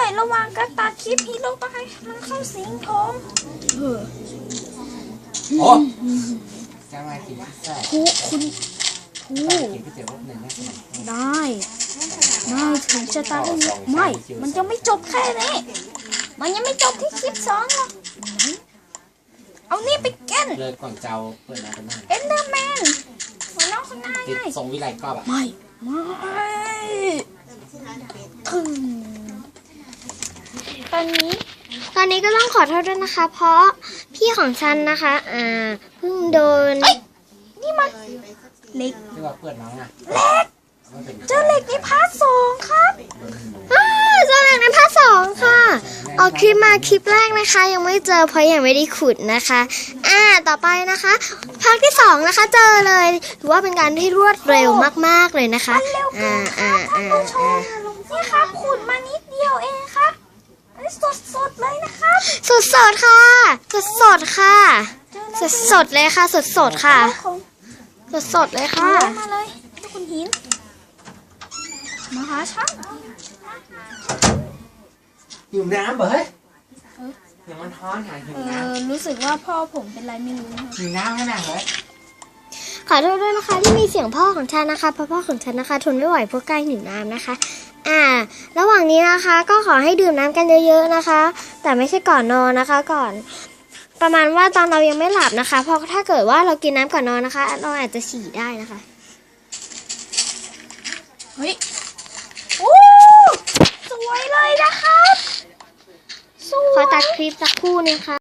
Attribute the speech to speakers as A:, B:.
A: ระหว่างการตัดคลิปฮีโร่ต้องให้มันเข้าสิงผม
B: โอ้จะมากินพิซซ่า
A: คุณ
B: กินก๋วยเตี๋ยวรสหนึ่งนะ
A: ได้ถึงจะตายไม่มันจะไม่จบแค่นี้มันยังไม่จบที่คลิป2หรอกเอานี่ไปแก้น
B: เลยก่อนเจ้าเปิดมาเป็นหน้า
A: เอ็นเดอร์แมนหัวน้องคนหน้าไง
B: ทรงวิไลก็แบบ
A: ไม่ถึงตอนนี้
C: ก็ต้องขอโทษด้วยนะคะเพราะพี่ของฉันนะคะเพิ่งโดน
A: นี่มันเหล็ก
B: ที่ว่าเปิดน้องอะ
A: เหล็กเจอเหล็กในพาร์ท2ครับ
C: เจอเหล็กในพาร์ท2ค่ะออกคลิปมาคลิปแรกนะคะยังไม่เจอเพราะยังไม่ได้ขุดนะคะต่อไปนะคะภาคที่2นะคะเจอเลยถือว่าเป็นการที่รวดเร็วมากๆเลยนะคะ
A: นี่ครับขุดมานิดเดียวเองครับสดเลยนะครับ
C: สดค่ะสดค่ะสดเลยค่ะสดค่ะสดเลยค่ะ
A: มาเลยทุกคนหินมาหาฉัน
B: หิวน้ำเหรอเฮ้ยอย่างมันท้อนหาหิวน้
A: ำรู้สึกว่าพ่อผมเป็นไรไม่รู้
B: หิวน้ำขนาดเลย
C: ขอโทษด้วยนะคะที่มีเสียงพ่อของฉันนะคะเพราะพ่อของฉันนะคะทนไม่ไหวเพราะใกล้หิวน้ำนะคะระหว่างนี้นะคะก็ขอให้ดื่มน้ำกันเยอะๆนะคะแต่ไม่ใช่ก่อนนอนนะคะก่อนประมาณว่าตอนเรายังไม่หลับนะคะเพราะถ้าเกิดว่าเรากินน้ำก่อนนอนนะคะเราอาจจะฉี่ได้นะคะ
A: เฮ้ยโอ้สวยเลยนะครับ
C: ขอตัดคลิปสักครู่นึงค่ะ